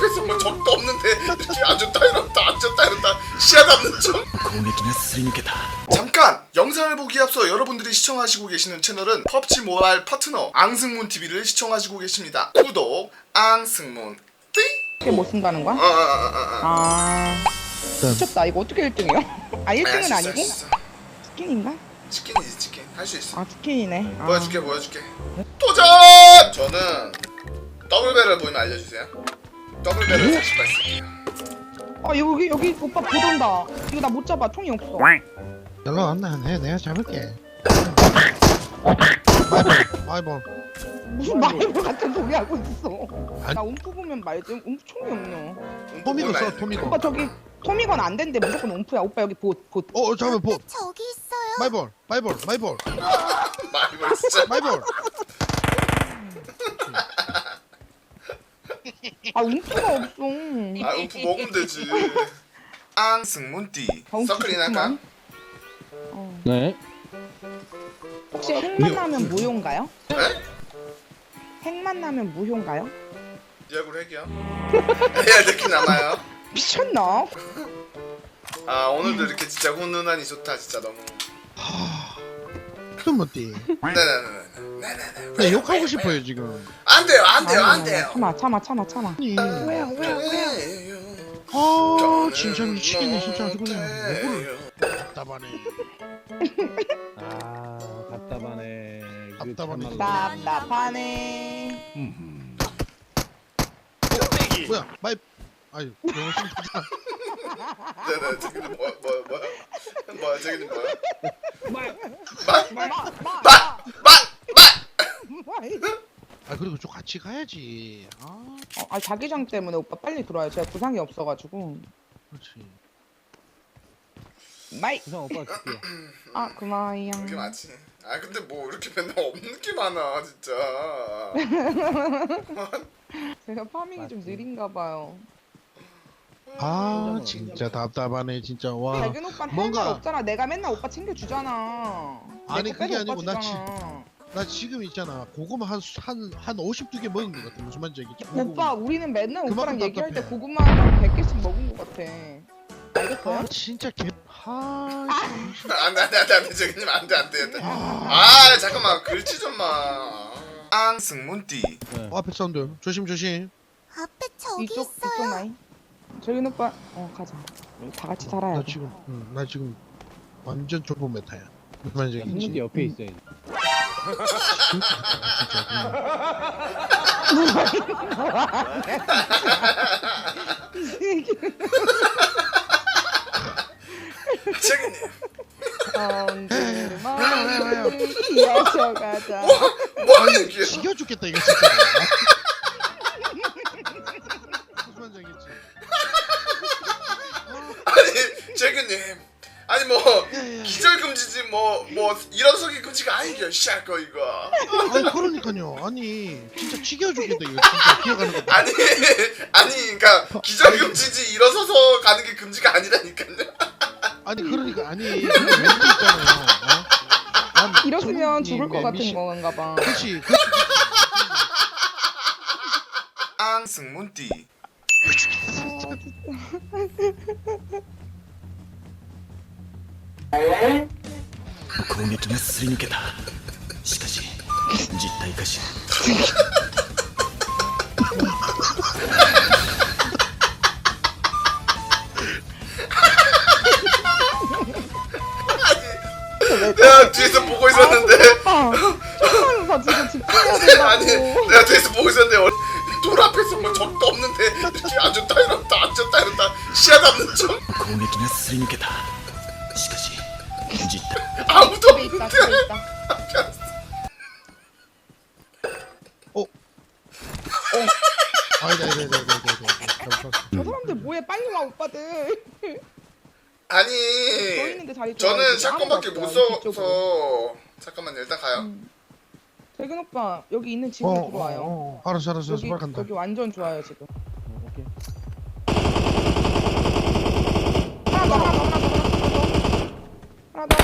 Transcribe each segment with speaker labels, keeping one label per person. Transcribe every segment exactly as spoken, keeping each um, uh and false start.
Speaker 1: 앞에서 뭐 적도 없는데 이렇게 앉았다 이렇다 앉았다 이렇다 시야 담는 중. 잠깐! 영상을 보기 앞서 여러분들이 시청하시고 계시는 채널은 펍지 모바일 파트너 앙승문티비를 시청하시고 계십니다. 구독 앙승문 띠!
Speaker 2: 이게 뭐 쓴다는 거야?
Speaker 1: 아, 아, 아, 아.
Speaker 2: 아 미쳤다. 이거 어떻게 일 등이요? 아 일 등은
Speaker 1: 할 수 있어,
Speaker 2: 아니고?
Speaker 1: 할 수 있어.
Speaker 2: 치킨인가?
Speaker 1: 치킨이지 치킨 할 수 있어.
Speaker 2: 아 치킨이네. 아.
Speaker 1: 보여줄게 보여줄게. 도전! 저는 더블벨을 보이면 알려주세요. 더블벨을 사십 발 쓸게요.
Speaker 2: 아 여기 여기 오빠 보던다. 이거 나 못 잡아. 총이 없어.
Speaker 3: 연락 안 나. 내 내가 잡을게. 마이볼.
Speaker 2: 무슨 마이볼 같은 소리 하고 있어.
Speaker 3: 아니.
Speaker 2: 나 움프 보면 말지. 움프 총이 없노.
Speaker 3: 토미도 써 토미도.
Speaker 2: 오빠 저기 토미건 안 된대. 무조건 움프야. 오빠 여기 보 보.
Speaker 3: 어 잠깐만 보.
Speaker 4: 저기 있어요.
Speaker 3: 마이볼 마이볼 마이볼
Speaker 1: 마이볼 진짜.
Speaker 3: 마이볼.
Speaker 2: 아 움프가 없어.
Speaker 1: 아 음프 먹으면 되지. 앙승문띠
Speaker 2: 아, 움프
Speaker 1: 서클인 할까?
Speaker 2: 좋구만. 어.
Speaker 5: 네.
Speaker 2: 혹시 핵만 나면 무효인가요?
Speaker 1: 네?
Speaker 2: 핵만 나면 무효인가요?
Speaker 1: 예약으로 할게요. 해야 될 게 남아요.
Speaker 2: 미쳤나?
Speaker 1: 아 오늘도 이렇게 진짜 훈훈하니 좋다 진짜 너무.
Speaker 3: 좀 어때?
Speaker 1: 네네네네. 네네네.
Speaker 3: 나 욕하고 싶어요 지금.
Speaker 1: 안 돼요 안 돼요 안 돼요.
Speaker 2: 참아 참아 참아 참아.
Speaker 3: 아니.
Speaker 1: 왜요 왜요 왜요.
Speaker 3: 아 진짜 미치겠네 진짜 그냥 뭐를 답답하네.
Speaker 5: 아 답답하네. 그
Speaker 3: 답답하네.
Speaker 5: 참말로.
Speaker 2: 답답하네.
Speaker 3: 뭐야 마이. 아유 너무 심하다.
Speaker 1: 네네 저기는 뭐야 뭐야 뭐야 뭐야 저기는 뭐야.
Speaker 2: 마마마
Speaker 3: 아 그리고 좀 같이 가야지. 아
Speaker 2: 아 자기장 때문에 오빠 빨리 들어와요. 제가 구상이 없어가지고.
Speaker 3: 그렇지.
Speaker 2: 마이.
Speaker 5: 구상 오빠 줄게.
Speaker 2: 아 그만이야.
Speaker 1: 그게 맞지. 아 근데 뭐 이렇게 맨날 없는 게 많아 진짜.
Speaker 2: 제가 파밍이 좀 느린가 봐요.
Speaker 3: 아 진짜 답답하네 진짜 와.
Speaker 2: 자균 오빠는
Speaker 3: 뭔가-
Speaker 2: 할 말 없잖아. 내가 맨날 오빠 챙겨주잖아.
Speaker 3: 아니,
Speaker 2: 내 거
Speaker 3: 그게
Speaker 2: 빼도
Speaker 3: 아니고
Speaker 2: 오빠
Speaker 3: 나
Speaker 2: 주잖아.
Speaker 3: 나 지금 있잖아 고구마 한한한 오십두 개 먹은 것 같아. 무슨 말인지 알겠지?
Speaker 2: 오빠 우리는 맨날
Speaker 3: 그만큼
Speaker 2: 오빠랑 얘기할 때
Speaker 3: 답답해.
Speaker 2: 고구마 한 백 개씩 먹은 것 같아. 알겠어요?
Speaker 3: 아 진짜 개. 아
Speaker 1: 안돼 안돼 안돼 안돼 저기님 안돼 안돼 안돼. 아 잠깐만 글씨 좀 마. 앙승문띠.
Speaker 5: 네.
Speaker 3: 어, 앞에 사운드 조심 조심.
Speaker 4: 앞에 저기
Speaker 2: 이쪽
Speaker 4: 있어요.
Speaker 2: 이쪽 나이. 저균 오빠 어 가자. 우리 다 같이 살아야
Speaker 3: 나
Speaker 2: 돼.
Speaker 3: 지금 응, 나 지금 완전 좁은 메타야. 무슨 말인지 알겠지?
Speaker 5: 형님도 옆에 있어야지.
Speaker 1: 저기님.
Speaker 2: 엉덩이를 이어서 가자.
Speaker 1: 뭐하는 게.
Speaker 3: 지겨 죽겠다 이거 진짜. 무슨 말인지 알겠지?
Speaker 1: 아니 저기님. 아니 뭐 기절금지지 뭐 뭐 일어서기 금지가 아니겨 시작 거 이거.
Speaker 3: 아니 그러니까요. 아니 진짜 지겨 죽겠다 이거 진짜 기어가는 거.
Speaker 1: 아니 아니 그러니까 기절금지지 일어서서 가는 게 금지가 아니라니까요.
Speaker 3: 아니 그러니까 아니 왠지 있잖아요. 어? 난
Speaker 2: 이러시면
Speaker 3: 저분이
Speaker 2: 죽을 것
Speaker 3: 매-
Speaker 2: 같은
Speaker 3: 미시-
Speaker 2: 건가 봐.
Speaker 3: 그렇지. 그렇지.
Speaker 1: 앙승문띠.
Speaker 6: 攻撃がすり抜けた。しかし実体化し
Speaker 1: 내가 뒤에서 보고 있었는데
Speaker 2: 아, 정말로 나 지금 집중해야 된다고.
Speaker 1: 아니 내가 뒤에서 보고 있었는데 어, 돌 앞에서 뭐 적도 없는데 이렇게 앉았다 이렇다 앉았다 이렇다 시야 담는 중.
Speaker 6: 攻撃がすり抜けた。しかし実体
Speaker 1: 아무도
Speaker 2: 집에 있다,
Speaker 1: 없는데.
Speaker 2: 집에 있다.
Speaker 3: 어. 아니다 아니다 아니다 아니다 아니다.
Speaker 2: 저 사람들 뭐해? 빨리 와 오빠들. 저
Speaker 1: 아니
Speaker 2: 있는데 자리
Speaker 1: 저는
Speaker 2: 좋아요.
Speaker 1: 샷건밖에
Speaker 2: 아무도
Speaker 1: 못
Speaker 2: 없어요, 뒤쪽으로.
Speaker 1: 써서 잠깐만요 일단 가요.
Speaker 2: 재균 오빠 여기 있는 집으로
Speaker 3: 어,
Speaker 2: 들어와요.
Speaker 3: 어, 어. 알았어 알았어
Speaker 2: 여기
Speaker 3: 빨리 간다.
Speaker 2: 여기 완전 좋아요 지금.
Speaker 5: 어, 오케이.
Speaker 2: 하나 더 하나 더 하나 더 하나 더 하나 더 하나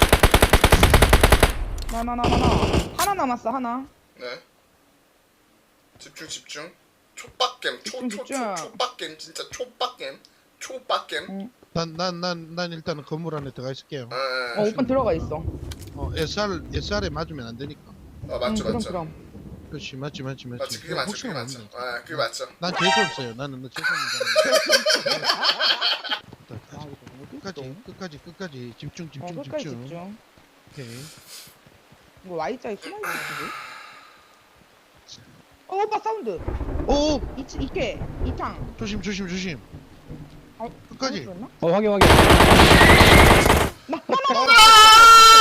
Speaker 2: 더 하나 하나 하나 하나 하나 남았어 하나.
Speaker 1: 네. 집중 집중. 촉박겜
Speaker 2: 집중,
Speaker 1: 초초초
Speaker 2: 집중.
Speaker 1: 촉박겜 진짜 촉박겜 촉박겜.
Speaker 2: 응.
Speaker 3: 난난 난 난 일단은 건물 안에 들어가 있을게요.
Speaker 1: 에,
Speaker 2: 어 오빠 들어가 있어.
Speaker 3: 어 에스알 에스알에 맞으면 안 되니까.
Speaker 1: 어 맞죠
Speaker 2: 응,
Speaker 1: 맞죠.
Speaker 2: 그럼
Speaker 3: 그렇지 맞지 맞지 맞지.
Speaker 1: 맞지 그게 맞죠 그게
Speaker 3: 혹시나
Speaker 1: 맞죠.
Speaker 3: 모르니까.
Speaker 1: 아 그게 맞죠.
Speaker 3: 난 재수 없어요. 나는 너 재수 없는 사람.
Speaker 2: 아 이거 어디
Speaker 3: 끝까지
Speaker 2: 있어?
Speaker 3: 끝까지 끝까지 집중
Speaker 2: 어
Speaker 3: 집중
Speaker 2: 끝까지
Speaker 3: 집중.
Speaker 2: 집중.
Speaker 3: 오케이.
Speaker 2: 이거 Y자에 숨어 있을 수도. 어 오빠 사운드.
Speaker 3: 오
Speaker 2: 이 이게 이탕.
Speaker 3: 조심 조심 조심.
Speaker 2: 어,
Speaker 3: 끝까지.
Speaker 2: 잘못 들었나?
Speaker 5: 어 확인 확인.
Speaker 2: 나, 나, 나, 나, 나.